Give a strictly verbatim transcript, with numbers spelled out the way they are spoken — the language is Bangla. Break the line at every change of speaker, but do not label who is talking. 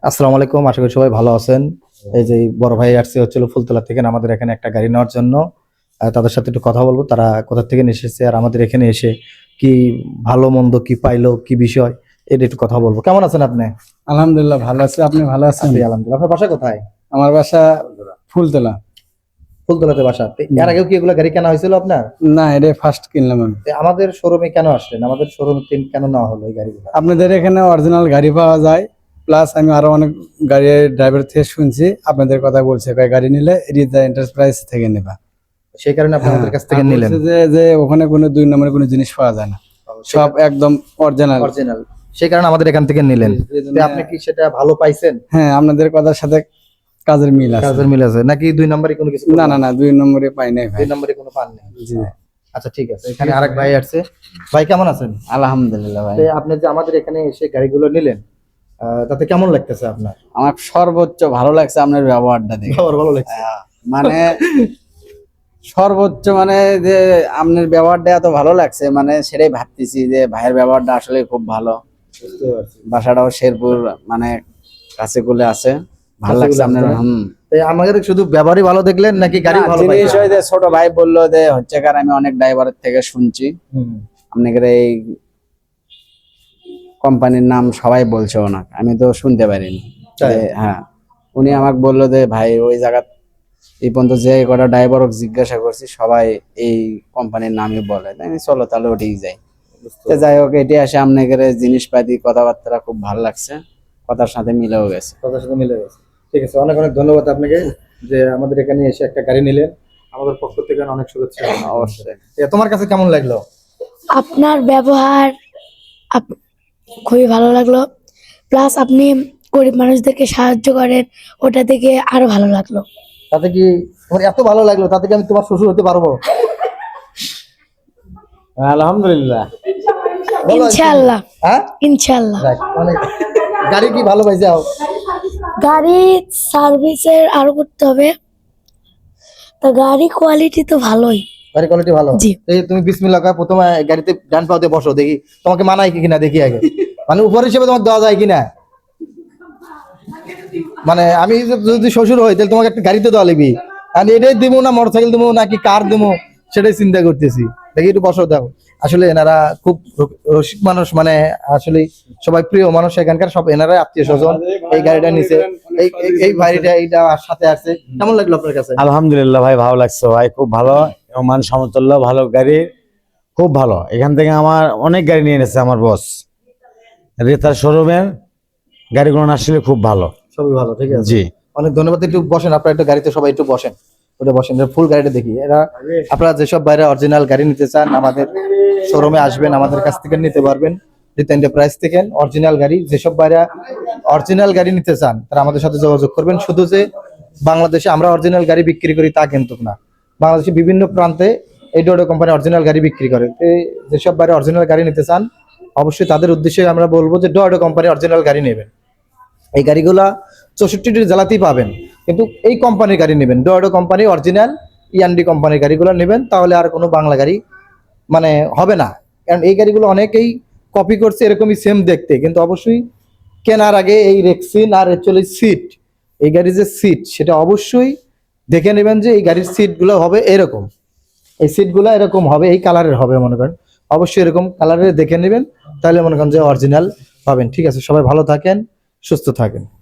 আসসালামু আলাইকুম, আশা করি সবাই ভালো আছেন। এই যে বড় ভাই আসছে হচ্ছিল ফুলতলা থেকে আমাদের এখানে একটা গাড়ি নেওয়ার জন্য। আহ, তাদের সাথে একটু কথা বলবো, তারা কোথা থেকে এসেছে আর আমাদের এখানে এসে কি ভালো মন্দ কি পাইলো কি বিষয় এটা একটু কথা বলবো। কেমন আছেন আপনি?
আলহামদুলিল্লাহ ভালো আছি। আপনি ভালো আছেন?
আছি আলহামদুলিল্লাহ। আপনার বাসা কোথায়?
আমার বাসা ফুলতলা।
ফুলতলাতে বাসা। তো এর আগেও কি এগুলো গাড়ি কেনা হয়েছিল আপনার?
না, এটা ফার্স্ট কিনলাম আমি।
তো আমাদের শোরুমে কেন আসলেন? আমাদের শোরুমে কেন নেওয়া হলো এই গাড়িগুলো?
আপনাদের এখানে অরিজিনাল গাড়ি পাওয়া যায়, প্লাস আমি আরো অনেক গাড়ির ড্রাইভার থেকে শুনছি আপনাদের কথা বলছে, কয় গাড়ি নিলে রিজা এন্টারপ্রাইজ থেকে নেবা।
সেই কারণে আপনি আমাদের কাছ থেকে
আর
নিলেন।
বলছে যে যে ওখানে কোনো দুই নম্বরের কোনো জিনিস পাওয়া যায় না, সব একদম অরিজিনাল।
অরিজিনাল, সেই কারণে আমাদের এখান থেকে নিলেন। তো আপনি কি সেটা ভালো পাইছেন?
হ্যাঁ, আপনাদের কথার সাথে কাজের মিল আছে।
কাজের মিল আছে নাকি দুই নম্বরে কোনো কিছু?
না না না, দুই নম্বরে পাই নাই ভাই।
দুই নম্বরে কোনো পান নেই।
জি,
আচ্ছা ঠিক আছে। এখানে আরেক ভাই আসছে। ভাই কেমন আছেন?
আলহামদুলিল্লাহ ভাই।
তো আপনি যে আমাদের এখানে এসে গাড়িগুলো নিলেন, আহ, তাতে কেমন লাগতেছে আপনার?
আমার সর্বোচ্চ ভালো লাগছে আপনার ব্যবহারটা দেখে।
আমার ভালো লাগছে।
মানে সর্বোচ্চ মানে যে আপনার ব্যবহারটা এত ভালো লাগছে, মানে সেটাই ভাবতেছি যে ভাইয়ের ব্যবহারটা আসলে খুব ভালো।
বুঝতে পারছি।
বাসাটাও শেরপুর, মানে কাছে কুলে আছে, ভালো লাগছে আপনার। হুম,
তো আমাদের শুধু ব্যবহারই ভালো দেখলেন নাকি গাড়ি
না,
ভালো
জিনিস
পাইছেন?
ওই যে ছোট ভাই বললো যে হচ্ছে কার, আমি অনেক ড্রাইভারের থেকে শুনছি
হুম।
আপনাদের এই কোম্পানির নাম সবাই বলছে ওনাকে, আমি তো শুনতে পারিনি।
তাই?
যে হ্যাঁ, উনি আমাকে বললো যে ভাই ওই জায়গা এই পর্যন্ত যে কটা ড্রাইভার জিজ্ঞাসা করছি সবাই এই কোম্পানির নামই বলে, তাই আমি চলো তাহলে ওটাই যাই। তো যাই হোক, এটি আসে আপনাদের জিনিসপাতি কথাবার্তা খুব ভালো লাগছে, কথার সাথে মিলেও গেছে।
কথার সাথে মিলে গেছে। ঠিক আছে, অনেক অনেক ধন্যবাদ আপনাকে যে আমাদের এখানে এসে একটা গাড়ি নিলেন। আমাদের পক্ষ থেকে অনেক শুভেচ্ছা।
অবশ্যই।
এ, তোমার কাছে কেমন লাগলো?
আপনার ব্যবহার আপ- খুবই ভালো লাগলো, প্লাস আপনি গরিব মানুষদেরকে সাহায্য করেন, ওটা থেকে আরো ভালো লাগলো।
তাতে কি তোমার এত ভালো লাগলো তাতে কি আমি তোমার শ্বশুর হতে পারবো?
আলহামদুলিল্লাহ।
বলো।
ইনশাআল্লাহ,
হ্যাঁ,
ইনশাআল্লাহ।
যাক, অনেক। গাড়ি কি ভালো পাইছে?
গাড়ি সার্ভিসের আরো করতে হবে, তা গাড়ি কোয়ালিটি তো ভালোই।
গাড়ি কোয়ালিটি ভালো।
জি।
এই তুমি বিসমিল্লাহ কয়ে প্রথমে গাড়িতে ডান পাওতে বসো, দেখি তোমাকে মানায় কি কিনা দেখি আগে। মানে উপর হিসেবে তোমাকে দেওয়া যায় কিনা। মানে আমি যদি শ্বশুর হই তাহলে তোমাকে একটা গাড়িতে দেওয়া লাগবে। আর এটাই দিব না মোটরসাইকেল দিব নাকি কার দিব সেটাই চিন্তা করতেছি। দেখি একটু বসো দাও। আসলে এনারা খুব রসিক মানুষ, মানে আসলে সবাই প্রিয় মানুষ এখানকার, সব এনারা আত্মীয় স্বজন এই গাড়িটা নিচে। এই এই- এই ভাইটা এইটা সাথে আছে। কেমন লাগলো আপনার কাছে?
আলহামদুলিল্লাহ ভাই, ভালো লাগছে ভাই, খুব ভালো এবং মান সমতুল্য ভালো গাড়ি, খুব ভালো। এখান থেকে আমার অনেক গাড়ি নিয়ে এনেছে আমার বস, রেতার শোরুমের গাড়িগুলো আসলে খুব ভালো।
সবই ভালো, ঠিক আছে।
জি,
অনেক ধন্যবাদ। একটু বসেন, আপনারা একটু গাড়িতে সবাই একটু বসেন, ওটা বসেন, ফুল গাড়িটা দেখি। এরা আপনারা যেসব বাইরে অরিজিনাল গাড়ি নিতে চান আমাদের শোরুমে আসবেন, আমাদের কাছ থেকে নিতে পারবেন। রিতা এন্টারপ্রাইজ থেকে অরিজিনাল গাড়ি, যেসব বাইরে অরিজিনাল গাড়ি নিতে চান তারা আমাদের সাথে যোগাযোগ করবেন। শুধু যে বাংলাদেশে আমরা অরিজিনাল গাড়ি বিক্রি করি তা কিন্তু না, বাংলাদেশে বিভিন্ন প্রান্তে এই ডোডো কোম্পানি অরিজিনাল গাড়ি বিক্রি করে। তো যেসব বাইরে অরিজিনাল গাড়ি নিতে চান অবশ্যই তাদের উদ্দেশ্যে আমরা বলবো যে ডোডো কোম্পানি অরিজিনাল গাড়ি নেবেন। এই গাড়িগুলা চৌষট্টিটি জেলাতেই পাবেন, কিন্তু এই কোম্পানির গাড়ি নেবেন, ডোয়াডো কোম্পানি অরিজিনাল ইয়ান্ডি কোম্পানির গাড়িগুলো নেবেন, তাহলে আর কোনো বাংলা গাড়ি মানে হবে না। কারণ এই গাড়িগুলো অনেকেই কপি করছে এরকমই সেম দেখতে, কিন্তু অবশ্যই কেনার আগে এই রেক্সিন আর অ্যাকচুয়ালি সিট, এই গাড়ির যে সিট সেটা অবশ্যই দেখে নেবেন যে এই গাড়ির সিটগুলো হবে এরকম, এই সিটগুলো এরকম হবে, এই কালারের হবে মনে করেন, অবশ্যই এরকম কালারের দেখে নেবেন, তাহলে মনে করেন যে অরিজিনাল পাবেন। ঠিক আছে, সবাই ভালো থাকেন, সুস্থ থাকেন।